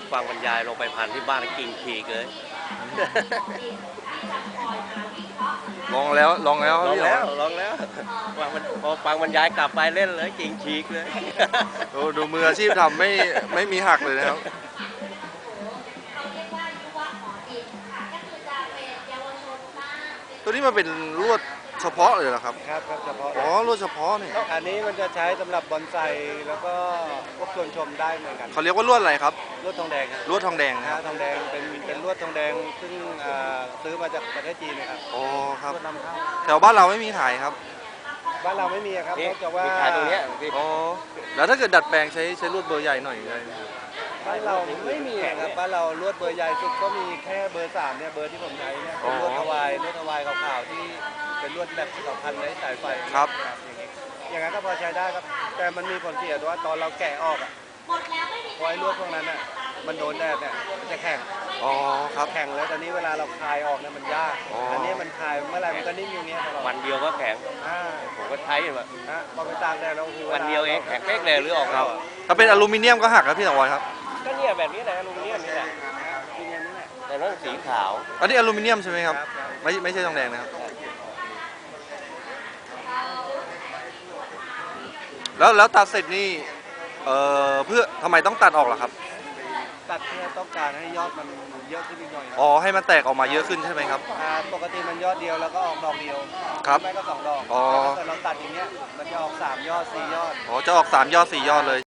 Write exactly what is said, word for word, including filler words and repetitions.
ฟังบรรยายลงไปพันที่บ้านกิ่งขีกเลยลองแล้วลองแล้วลองแล้วลองแล้วฟังพอฟังบรรยายกลับไปเล่นเลยกิ่งขีกเลยดูดูมืออาชีพทำไม่ไม่มีหักเลยนะครับตัวนี้มันเป็นลวดเฉพาะเลยเหรอครับครับครับเฉพาะอ๋อลวดเฉพาะนี่อันนี้มันจะใช้สำหรับบอนไซแล้วก็พวกชวนชมได้เหมือนกันเขาเรียกว่าลวดอะไรครับลวดทองแดงครับลวดทองแดงนะทองแดงเป็นเป็นลวดทองแดงซึ่งซื้อมาจากประเทศจีนนะครับอ๋อครับลวดนำเข้าแถวบ้านเราไม่มีขายครับบ้านเราไม่มีครับนอกจากว่าขายตรงนี้อ๋อแล้วถ้าเกิดดัดแปลงใช้ใช้ลวดเบอร์ใหญ่หน่อยเลยบ้านเราไม่มีครับบ้านเราลวดเบอร์ใหญ่สุดก็มีแค่เบอร์สามเนี่ยเบอร์ที่ผมใช้เนี่ยเป็นลวดทวายลวดทวายขาวๆที่เป็นลวดแบบสองพันไร้สายไฟครับอย่างนั้นก็พอใช้ได้ครับแต่มันมีผลเสียว่าตอนเราแกะออกอ่ะพอไอ้ลวดพวกนั้นอ่ะมันโดนแดดเนี่ยมันจะแข็งอ๋อครับแข็งแล้วตอนนี้เวลาเราคลายออกเนี่ยมันยากอันนี้มันคลายเมื่อไหร่มันก็นิ่มอยู่เงี้ยวันเดียวก็แข็งผมก็ใช้แบบพอไปตากแดดแล้วคือวันเดียวเองแข็งเป๊กเลยหรือออกครับถ้าเป็นอลูมิเนียมก็หักครับพี่สังวรครับก็เนี่ยแบบนี้แหละอลูมิเนียมนี่แหละแต่นั่นสีขาวอันนี้อลูมิเนียมใช่ไหมครับไม่ไม่ใช่ทองแดงนะครับแล้วแล้วตัดเสร็จนี่เอ่อเพื่อทำไมต้องตัดออกล่ะครับตัดเพื่อต้องการให้ยอดมันเยอะขึ้นอีกหน่อยอ๋อให้มันแตกออกมาเยอะขึ้นใช่ไหมครับปกติมันยอดเดียวแล้วก็ออกดอกเดียวครับไม่ก็สองดอกอ๋อถ้าเกิดเราตัดอย่างเงี้ยมันจะออกสามยอดสี่ยอดอ๋อจะออกสามยอดสี่ยอดเลย